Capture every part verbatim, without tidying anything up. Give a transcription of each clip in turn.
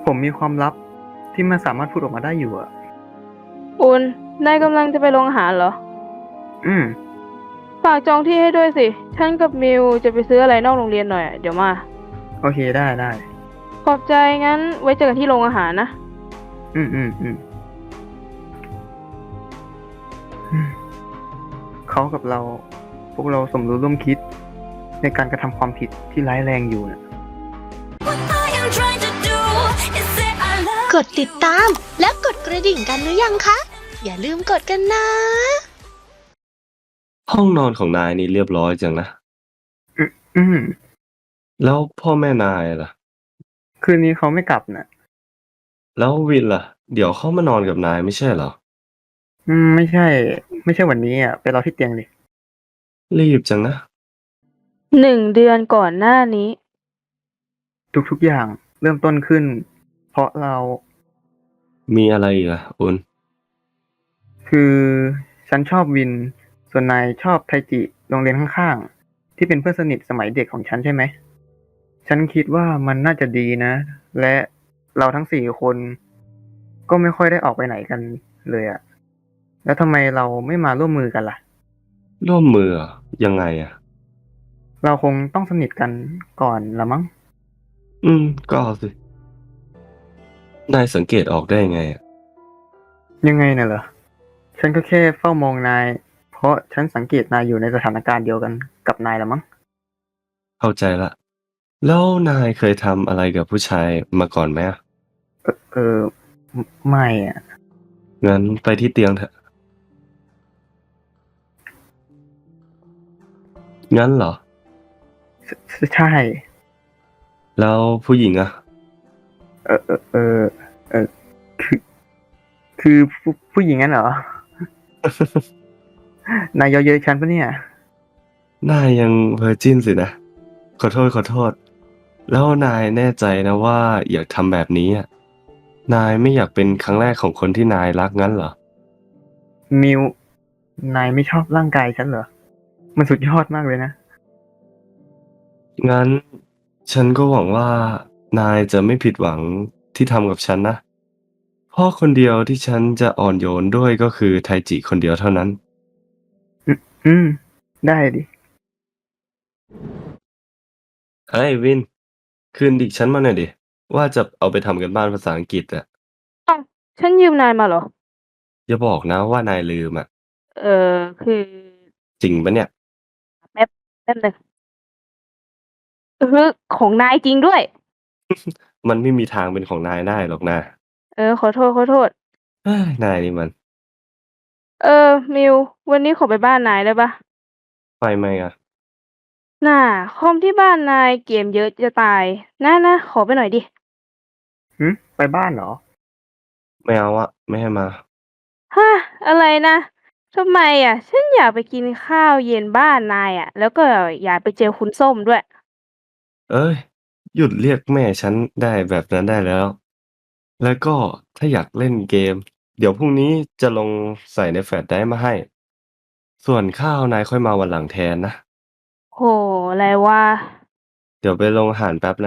ผมมีความลับที่มันสามารถพูดออกมาได้อยู่อะอุ่นนายกำลังจะไปโรงอาหารเหรออืมฝากจองที่ให้ด้วยสิ ฉันกับมิวจะไปซื้ออะไรนอกโรงเรียนหน่อยอะเดี๋ยวมาโอเคได้ได้ขอบใจงั้นไว้เจอกันที่โรงอาหารนะอืมอืมอืมอืมเขากับเรา พวกเราสมรู้ร่วมคิดในการกระทำความผิดที่ร้ายแรงอยู่นะ What I am trying to do is say I love กดติดตามและกดกระดิ่งกันหรือยังคะ อย่าลืมกดกันนะห้องนอนของนายนี่เรียบร้อยจังนะอืมอืมแล้วพ่อแม่นายล่ะคืนนี้เขาไม่กลับนะแล้ววินล่ะ เดี๋ยวเขามานอนกับนายไม่ใช่เหรออืมไม่ใช่ ไม่ใช่วันนี้อ่ะไปรอที่เตียงดิรีบจังนะหนึ่งเดือนก่อนหน้านี้ทุกๆอย่างเริ่มต้นขึ้น เพราะเรามีอะไรอีกอ่ะอุนคือฉันชอบวิน ส่วนนายชอบไทจิโรงเรียนข้างๆที่เป็นเพื่อนสนิทสมัยเด็กของฉันใช่ไหม ฉันคิดว่ามันน่าจะดีนะ และเราทั้งสี่คน ก็ไม่ค่อยได้ออกไปไหนกันเลยอะแล้วทำไมเราไม่มาร่วมมือกันล่ะร่วมมือเหรอยังไงอ่ะเราคงต้องสนิทกันก่อนละมั้งอืม ก็เอาสิ นายสังเกตออกได้ไงอะยังไงน่ะเหรอ ฉันก็แค่เฝ้ามองนาย เพราะฉันสังเกตนายอยู่ในสถานการณ์เดียวกันกับนายละมั้งเข้าใจละ แล้วนายเคยทำอะไรกับผู้ชายมาก่อนไหมอะเออเออไม่ไม่อะงั้นไปที่เตียงเถอะ งั้นเหรอใช่ใช่แล้วผู้หญิงอ่ะเออเออเออเออคือ คือผู้ผู้หญิงงั้นเหรอ นายเยาะเย้ยฉันปะเนี่ยนายยังเวอร์จินสินะ ขอโทษขอโทษ แล้วนายแน่ใจนะว่าอยากทำแบบนี้อ่ะ นายไม่อยากเป็นครั้งแรกของคนที่นายรักงั้นเหรอมิว นายไม่ชอบร่างกายฉันเหรอ มันสุดยอดมากเลยนะงั้นฉันก็หวังว่านายจะไม่ผิดหวังที่ทำกับฉันนะ เพราะคนเดียวที่ฉันจะอ่อนโยนด้วยก็คือไทจิคนเดียวเท่านั้นอืมอืม ได้ดิเฮ้ยวิน คืนดิฉันมาหน่อยดิ ว่าจะเอาไปทำกันบ้านภาษาอังกฤษอะอ้าว ฉันยืมนายมาเหรออย่าบอกนะว่านายลืมอะเออ คือจริงปะเนี่ยแป๊บ แป๊บหนึ่งเออของนายจริงด้วยมันไม่มีทางเป็นของนายได้หรอกนะเออ ขอโทษ ขอโทษเฮ้ยนายนี่มันเออ มิว วันนี้ขอไปบ้านนายได้ปะไปไหมอะน่า คอมที่บ้านนายเกมเยอะจะตาย นะนะ ขอไปหน่อยดิหืม ไปบ้านเหรอไม่เอาอะไม่ให้มาฮะ อะไรนะทำไมอะ ฉันอยากไปกินข้าวเย็นบ้านนายอะแล้วก็อยากไปเจอคุณส้มด้วยเอ้ย หยุดเรียกแม่ฉันได้แบบนั้นได้แล้ว แล้วก็ถ้าอยากเล่นเกม เดี๋ยวพรุ่งนี้จะลงใส่ในแฟลชไดรฟ์มาให้ ส่วนข้าวนายค่อยมาวันหลังแทนนะโห อะไรวะเดี๋ยวไปลงอาหารแป๊บนะ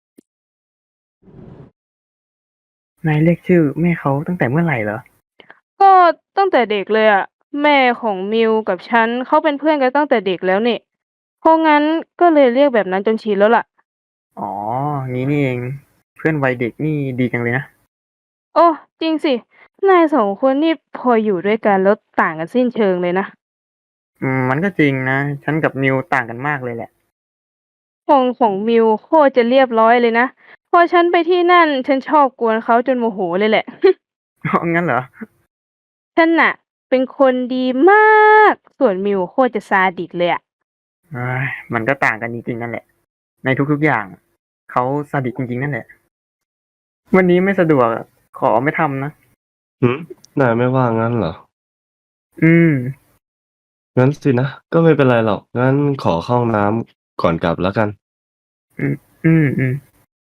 นายเรียกชื่อแม่เขาตั้งแต่เมื่อไหร่เหรอก็ตั้งแต่เด็กเลยอะแม่ของมิวกับฉันเขาเป็นเพื่อนกันตั้งแต่เด็กแล้วนี่เพราะงั้นก็เลยเรียกแบบนั้นจนชินแล้วล่ะอ๋อ งี้นี่เอง เพื่อนวัยเด็กนี่ดีจังเลยนะโอ้จริงสินายสองคนนี่พออยู่ด้วยกันแล้วต่างกันสิ้นเชิงเลยนะอืม มันก็จริงนะ ฉันกับมิวต่างกันมากเลยแหละของของมิวโคตรจะเรียบร้อยเลยนะพอฉันไปที่นั่นฉันชอบกวนเขาจนโมโหเลยแหละอ๋อ งั้นเหรอฉันน่ะเป็นคนดีมาก ส่วนมิวโคตรจะซาดิสเลยอะเอ้ยมันก็ต่างกันจริงๆนั่นแหละ ในทุกๆอย่าง เขาซาดิสจริงๆนั่นแหละ วันนี้ไม่สะดวกอะขอไม่ทำนะหืม นายไม่ว่างงั้นเหรออืมงั้นสินะ ก็ไม่เป็นไรหรอก งั้นขอเข้าห้องน้ำก่อนกลับแล้วกันอืม อืม อืม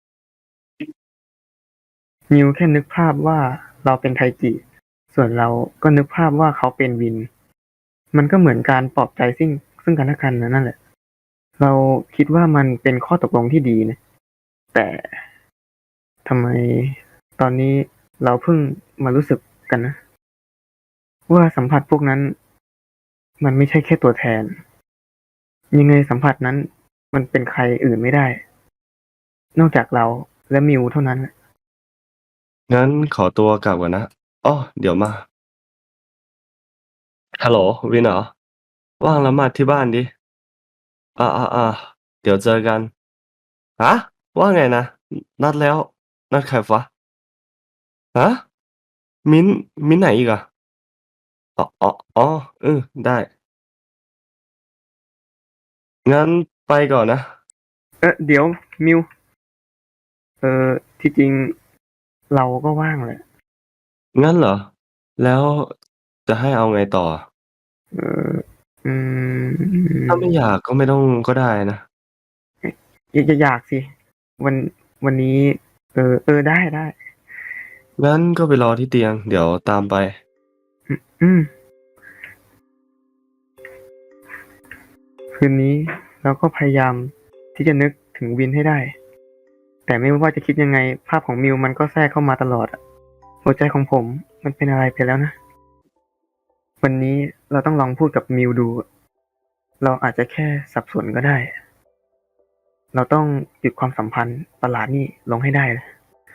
นิวแค่นึกภาพว่าเราเป็นไทจิ ส่วนเราก็นึกภาพว่าเขาเป็นวิน มันก็เหมือนการปลอบใจซึ่งซึ่งกันและกันนะนั่นแหละ เราคิดว่ามันเป็นข้อตกลงที่ดีนะ แต่ทำไมตอนนี้เราเพิ่งมารู้สึกกันนะ ว่าสัมผัสพวกนั้น มันไม่ใช่แค่ตัวแทน ยังไงสัมผัสนั้น มันเป็นใครอื่นไม่ได้ นอกจากเราและมิวเท่านั้นงั้นขอตัวกลับก่อนนะอ้อเดี๋ยวมา ฮัลโหลวินเหรอ ว่างแล้วมาที่บ้านดิอ่าอ่าอ่าเดี๋ยวเจอกันฮะว่าไงนะ นัดแล้ว นัดใครวะฮะมิ้นท์มิ้นท์ไหนอีกอะอ๋ออ๋ออ๋อเออได้ งั้นไปก่อนนะเออเดี๋ยวมิว เออที่จริงเราก็ว่างแหละงั้นเหรอ แล้วจะให้เอาไงต่อเอออืมถ้าไม่อยากก็ไม่ต้องก็ได้นะอยากจะอยากสิ วันวันนี้ เออ เออได้ได้งั้นก็ไปรอที่เตียง เดี๋ยวตามไปอืมอืม คืนนี้เราก็พยายามที่จะนึกถึงวินให้ได้ แต่ไม่ว่าจะคิดยังไง ภาพของมิวมันก็แทรกเข้ามาตลอดอะหัวใจของผมมันเป็นอะไรไปแล้วนะ วันนี้เราต้องลองพูดกับมิวดู เราอาจจะแค่สับสนก็ได้ เราต้องหยุดความสัมพันธ์ประหลาดนี่ลงให้ได้เลย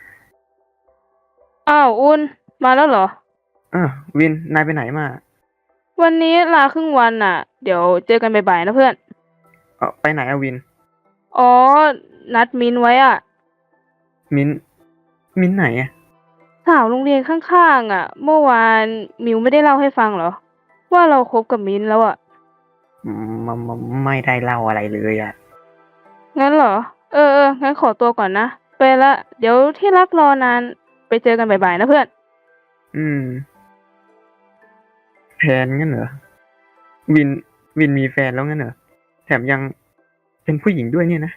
อ้าวอุ่นมาแล้วเหรอเออวินนายไปไหนมาวันนี้ลาครึ่งวันน่ะ เดี๋ยวเจอกันบ่ายๆนะเพื่อนเออไปไหนอะวินอ๋อ นัดมินไว้อ่ะมิ้นมิ้นไหนอะสาวโรงเรียนข้างๆอ่ะ เมื่อวานมิวไม่ได้เล่าให้ฟังเหรอ ว่าเราคบกับมินแล้วอ่ะอืมมมไม่ได้เล่าอะไรเลยอะงั้นเหรอ เออเอองั้นขอตัวก่อนนะ ไปละ เดี๋ยวที่รักรอนาน ไปเจอกันบ่ายๆนะเพื่อนอืมแฟนงั้นเหรอ วินวินมีแฟนแล้วงั้นเหรอ แถมยังเป็นผู้หญิงด้วยเนี่ยนะ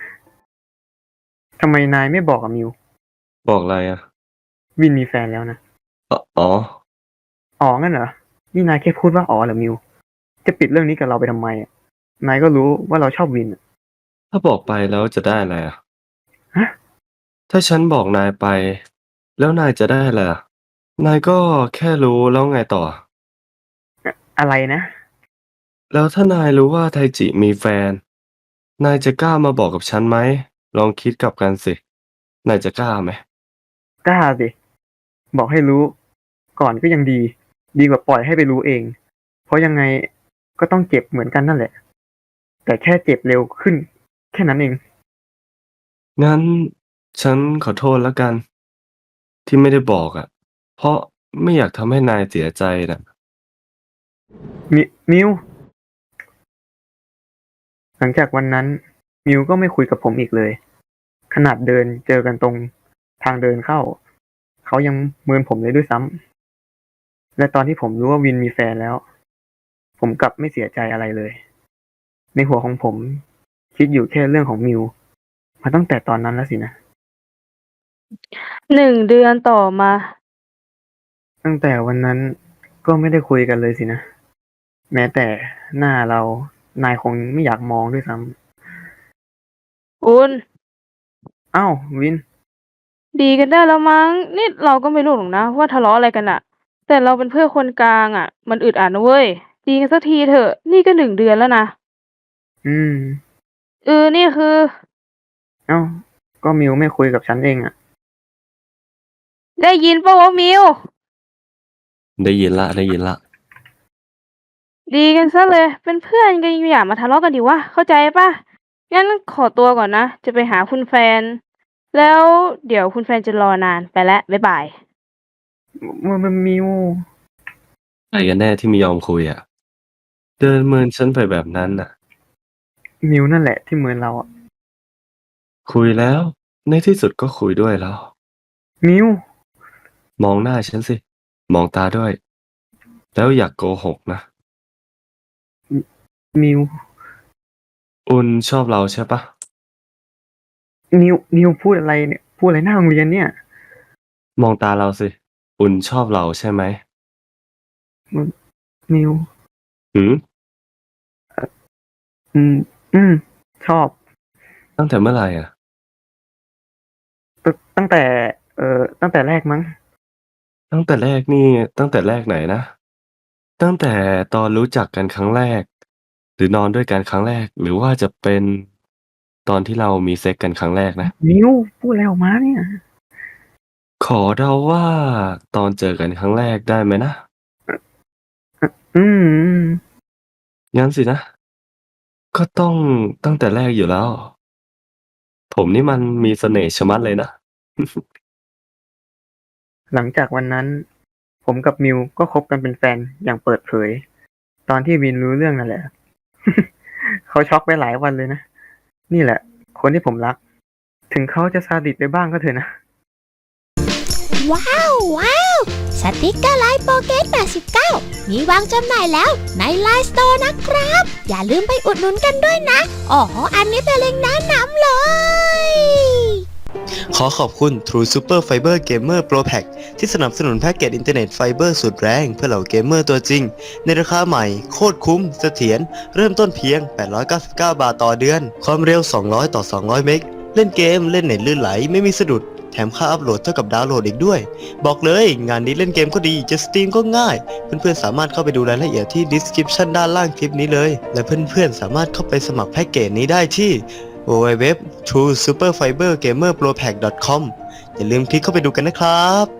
ทำไมนายไม่บอกกับมิวบอกอะไรอะวินมีแฟนแล้วนะอ๋ออ๋ออ๋องั้นเหรอ นี่นายแค่พูดว่าอ๋อเหรอมิว จะปิดเรื่องนี้กับเราไปทำไมอะนายก็รู้ว่าเราชอบวินอะถ้าบอกไปแล้วจะได้อะไรอะฮะถ้าฉันบอกนายไป แล้วนายจะได้อะไรอะนายก็แค่รู้แล้วไงต่ออะไรนะแล้วถ้านายรู้ว่าไทจิมีแฟน นายจะกล้ามาบอกกับฉันไหม ลองคิดกลับกันสิ นายจะกล้าไหมกล้าสิ บอกให้รู้ ก่อนก็ยังดี ดีกว่าปล่อยให้ไปรู้เอง เพราะยังไงก็ต้องเจ็บเหมือนกันนั่นแหละ แต่แค่เจ็บเร็วขึ้น แค่นั้นเองงั้นฉันขอโทษแล้วกัน ที่ไม่ได้บอกอะเพราะไม่อยากทำให้นายเสียใจน่ะมิมิว หลังจากวันนั้น มิวก็ไม่คุยกับผมอีกเลย ขนาดเดินเจอกันตรงทางเดินเข้า เขายังเมินผมเลยด้วยซ้ำ และตอนที่ผมรู้ว่าวินมีแฟนแล้ว ผมกลับไม่เสียใจอะไรเลย ในหัวของผมคิดอยู่แค่เรื่องของมิวมาตั้งแต่ตอนนั้นแล้วสินะหนึ่งเดือนต่อมาตั้งแต่วันนั้นก็ไม่ได้คุยกันเลยสินะ แม้แต่หน้าเรา นายคงไม่อยากมองด้วยซ้ำอุ่นอ้าววินดีกันได้แล้วมั้ง นี่เราก็ไม่รู้หรอกนะว่าทะเลาะอะไรกันอะแต่เราเป็นเพื่อนคนกลางอะมันอึดอัดนะเว้ย ดีกันสักทีเถอะ นี่ก็หนึ่งเดือนแล้วนะอืมเออ นี่คือเอ้า ก็มิวไม่คุยกับฉันเองอะได้ยินปะวะมิวได้ยินละได้ยินละดีกันซะเลย เป็นเพื่อนกันอย่ามาทะเลาะกันดิวะ เข้าใจปะงั้นขอตัวก่อนนะ จะไปหาคุณแฟน แล้วเดี๋ยวคุณแฟนจะรอนาน ไปแล้ว บ๊ายบายมันมันมิวใครกันแน่ที่ไม่ยอมคุยอะเดินเมินฉันไปแบบนั้นน่ะมิวนั่นแหละที่เหมือนเราอะคุยแล้ว ในที่สุดก็คุยด้วยแล้วมิวมองหน้าฉันสิ มองตาด้วย แล้วอย่ากโกหกนะมิวอุ่นชอบเราใช่ปะมิวมิวพูดอะไรเนี่ย พูดอะไรหน้าโรงเรียนเนี่ยมองตาเราสิ อุ่นชอบเราใช่ไหมมิวหืมอืม อืม ชอบตั้งแต่เมื่อไหร่อะตั้งแต่ เอ่อ ตั้งแต่แรกมั้งตั้งแต่แรกนี่ ตั้งแต่แรกไหนนะ? ตั้งแต่ตอนรู้จักกันครั้งแรก หรือนอนด้วยกันครั้งแรก หรือว่าจะเป็นตอนที่เรามีเซ็กส์กันครั้งแรกนะ? นิว พูดอะไรออกมาเนี่ย? ขอเดาว่าตอนเจอกันครั้งแรกได้ไหมนะ? อ อืมงั้นสินะ ก็ต้องตั้งแต่แรกอยู่แล้ว ผมนี่มันมีเสน่ห์ชะมัดเลยนะหลังจากวันนั้น ผมกับมิวก็คบกันเป็นแฟนอย่างเปิดเผย ตอนที่วินรู้เรื่องนั่นแหละ เขาช็อกไปหลายวันเลยนะ นี่แหละคนที่ผมรัก ถึงเขาจะซาดิสไปบ้างก็เถอะนะว้าว ว้าว สติกเกอร์ไลน์โปเกตแปดสิบเก้า มีวางจำหน่ายแล้วในไลน์สโตร์นะครับ อย่าลืมไปอุดหนุนกันด้วยนะ อ๋อ อันนี้เป็นเล็งก์แนะนำเลยขอขอบคุณ True Super Fiber Gamer Pro Pack ที่สนับสนุนแพ็กเกจอินเทอร์เน็ตไฟเบอร์สุดแรงเพื่อเหล่าเกมเมอร์ตัวจริง ในราคาใหม่ โคตรคุ้ม เสถียร เริ่มต้นเพียง แปดร้อยเก้าสิบเก้า บาทต่อเดือน ความเร็ว สองร้อย ต่อ สองร้อย เมก เล่นเกม เล่นเน็ตลื่นไหลไม่มีสะดุด แถมค่าอัปโหลดเท่ากับดาวน์โหลดอีกด้วย บอกเลยงานนี้เล่นเกมก็ดี จะสตรีมก็ง่าย เพื่อนๆสามารถเข้าไปดูรายละเอียดที่ Description ด้านล่างคลิปนี้เลย และเพื่อนๆสามารถเข้าไปสมัครแพ็กเกจนี้ได้ที่ ดับเบิลยู ดับเบิลยู ดับเบิลยู ดอท ทรู ซูเปอร์ ไฟเบอร์ เกมเมอร์ โปร แพ็ก ดอท คอม อย่าลืมคลิกเข้าไปดูกันนะครับ